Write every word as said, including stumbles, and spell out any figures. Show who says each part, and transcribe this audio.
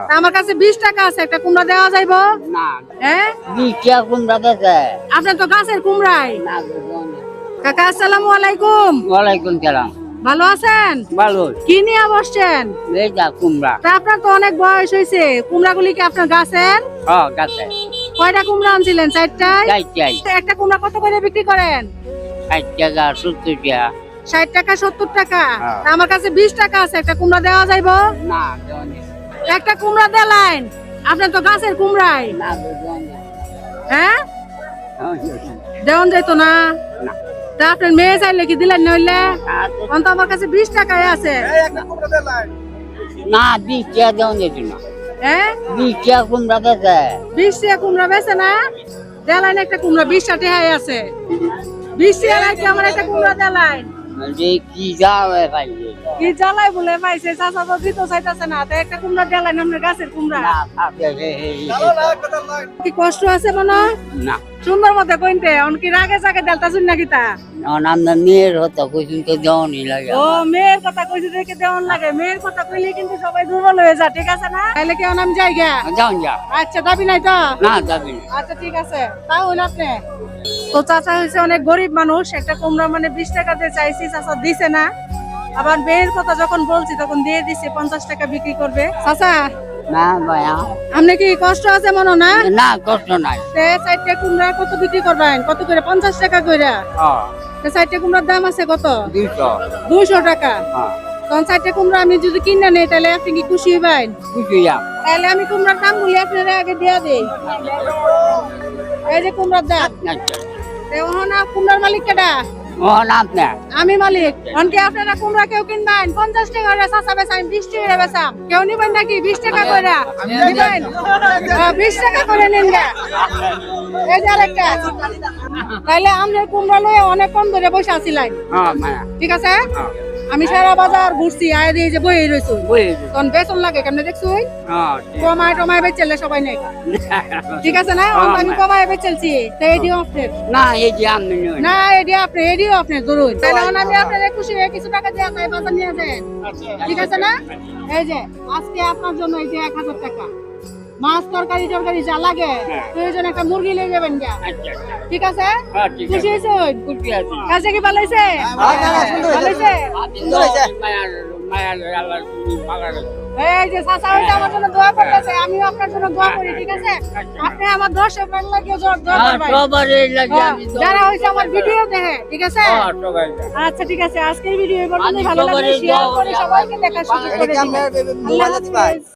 Speaker 1: আমার কাছে বিশ টাকা আছে, একটা কুমড়া দেওয়া যাইব
Speaker 2: না
Speaker 1: হ্যাঁ?
Speaker 2: বিশ টাকা কুমড়া বেচে
Speaker 1: আপনার তো গাছের কুমড়াই।
Speaker 2: না।
Speaker 1: কাকা আসসালামু আলাইকুম।
Speaker 2: ওয়ালাইকুম সালাম।
Speaker 1: ভালো আছেন?
Speaker 2: ভালো।
Speaker 1: কি নিয়ে বসছেন?
Speaker 2: এই যা কুমড়া।
Speaker 1: তা আপনার তো অনেক বয়স হয়েছে, কুমড়াগুলি কি আপনার গাছের?
Speaker 2: হ্যাঁ গাছে।
Speaker 1: কয়টা কুমড়া আনছিলেন? চারটায়?
Speaker 2: চাই চাই
Speaker 1: একটা কুমড়া কত করে বিক্রি করেন?
Speaker 2: ষাট টাকা সত্তর টাকা।
Speaker 1: ষাট টাকা সত্তর টাকা।
Speaker 2: হ্যাঁ।
Speaker 1: তা আমার কাছে বিশ টাকা আছে, একটা কুমড়া দেওয়া যাইব?
Speaker 2: না দেওয়া নেই।
Speaker 1: একটা কুমড়া দেলাইন, আপনার তো গাছের কুমড়াই।
Speaker 2: না দেওয়া নেই।
Speaker 1: হ্যাঁ
Speaker 2: হ্যাঁ,
Speaker 1: দেওয়ান যাইতো না?
Speaker 2: না।
Speaker 1: তা আপনার মেয়ে চাইলে কি দিলেন নইলে?
Speaker 2: আর তো-
Speaker 1: অন্ত আমার কাছে বিশ টাকায় আছে।
Speaker 2: না বিশ টাকা দেওয়া যেত না।
Speaker 1: হ্যাঁ
Speaker 2: বিশ টাকা কুমড়া বেচে।
Speaker 1: বিশ টাকা কুমড়া বেছে না? দেলাইন একটা কুমড়া বিশ টাকায় আছে। বিশ টাকায় কি আমার একটা কুমড়া দেলাইন?
Speaker 2: যে কি যাবে পাইছে
Speaker 1: কি জ্বালাই বলে পাইছে, চাচা তো দিতে চাইতেছে না। তো একটা কুমড়া দেলাইন আপনার গাছের কুমড়া।
Speaker 2: না থাকে রে, এই,
Speaker 1: কি কষ্ট আছে মনে?
Speaker 2: না
Speaker 1: সুন্দর মতো কইতে অনকি রাগে জাগে দেলতা শুন নাকি তা?
Speaker 2: আমরা মেয়ের হতো কইছিল তো দেওয়া নেই লাগে।
Speaker 1: ও মেয়ের কথা কইছে দেখে দেওয়ান লাগে। মেয়ের কথা কইলে কিন্তু সবাই দুর্বল হয়ে যায়, ঠিক আছে না? তাইলে কেউ নাম জায়গা।
Speaker 2: যাও যা।
Speaker 1: আচ্ছা দাবি নাই তো?
Speaker 2: না যাবি না।
Speaker 1: আচ্ছা ঠিক আছে, তাও হইল আপনি। তো চাচা হয়েছে অনেক গরিব মানুষ, একটা কুমড়া মানে বিশ টাকা দিয়ে চাইছি, চাচা দিছে না। আবার মেয়ের কথা যখন বলছি তখন দিয়ে দিছে পঞ্চাশ টাকা বিক্রি করবে। চাচা
Speaker 2: না ভাইয়া।
Speaker 1: আপনি কি কষ্ট আছে মনে না?
Speaker 2: না কষ্ট নাই।
Speaker 1: তে চারটে কুমড়া কত বিক্রি করবেন? কত করে? পঞ্চাশ টাকা করে।
Speaker 2: হ্যাঁ
Speaker 1: তে চারটে কুমড়ার দাম আছে কত?
Speaker 2: দুইশো।
Speaker 1: দুইশো টাকা।
Speaker 2: হ্যাঁ
Speaker 1: তখন চারটে কুমড়া আমি যদি কিনে নেই তাহলে আপনি কি খুশি হবেন?
Speaker 2: বুঝি যা।
Speaker 1: তাহলে আমি কুমড়ার দাম বলি আপনারা আগে দিয়া দেই। এই যে কুমড়ার দাম।
Speaker 2: আচ্ছা
Speaker 1: না কুমড়ার মালিক কেডা?
Speaker 2: ও না আপনি।
Speaker 1: আমি মালিক। অনকে আপনারা কুমড়া কেউ কিনবেন পঞ্চাশ টাকা করে, চাচা বেচা আমি বিশ টাকা করে বেচাম। কেউ নিবেন নাকি বিশ টাকা করে? নিবেন? হ্যাঁ, বিশ টাকা করে নিন গা। এই যে আরেকটা। তাইলে আমরা কুমড়া লয়ে অনেক কম ধরে বসে আছিলাম,
Speaker 2: হ্যাঁ মায়া।
Speaker 1: ঠিক আছে? আমি সারা বাজার ঘুরছি, আয় দিয়ে যে বই রয়েছে
Speaker 2: বুঝি।
Speaker 1: তখন বেতন লাগে কেমনে দেখছো?
Speaker 2: হ্যাঁ ঠিক।
Speaker 1: কমায় টমায় বেচলে সবাই নেই, ঠিক আছে না?
Speaker 2: হ্যাঁ,
Speaker 1: আমি
Speaker 2: মা।
Speaker 1: কমায় বেচলছি, তো এডিও আপনার
Speaker 2: না এই যে আমি নই।
Speaker 1: না, এডিও আপনি এডিও আপনার ধরুন। তাহলে এখন আমি আপনার খুশি হয়ে কিছু টাকা দিয়ে যাই, বাজার নিয়ে যান, ঠিক আছে না? এই যে আজকে আপনার জন্য এই যে এক হাজার টাকা, মাছ তরকারি টরকারি যা লাগে প্রয়োজন একটা মুরগি নিয়ে যাবেন গা,
Speaker 2: আচ্ছা
Speaker 1: ঠিক আছে?
Speaker 2: হ্যাঁ ঠিক
Speaker 1: খুশি
Speaker 2: আছে।
Speaker 1: হয়েছে?
Speaker 2: খুশি আছি।
Speaker 1: কাছে কি ভালো হয়েছে? ভালো হয়েছে?
Speaker 2: মায়া মায়া আল্লাহ তুমি ভালো রাখো।
Speaker 1: এই যে চাচা হইছে আমার জন্য দোয়া করতেছে, আমিও আপনার জন্য দোয়া করি, ঠিক আছে? আপনি আমার দর্শক মান লাগিয়ে দোয়া
Speaker 2: হ্যাঁ
Speaker 1: করবেন।
Speaker 2: সবারই লাগে
Speaker 1: হ্যাঁ,
Speaker 2: আমি দোয়া
Speaker 1: যারা
Speaker 2: করি।
Speaker 1: হইছে আমার ভিডিও দেখে, ঠিক আছে?
Speaker 2: হ্যাঁ সবাই।
Speaker 1: আচ্ছা ঠিক আছে, আজকের ভিডিও এই পর্যন্তই।
Speaker 2: আমি
Speaker 1: ভালো লাগলে
Speaker 2: সবারই
Speaker 1: শেয়ার
Speaker 2: দোয়া
Speaker 1: করে
Speaker 2: করি,
Speaker 1: সবাইকে দেখার সুযোগ করে দিবেন। আল্লাহ হাফেজ।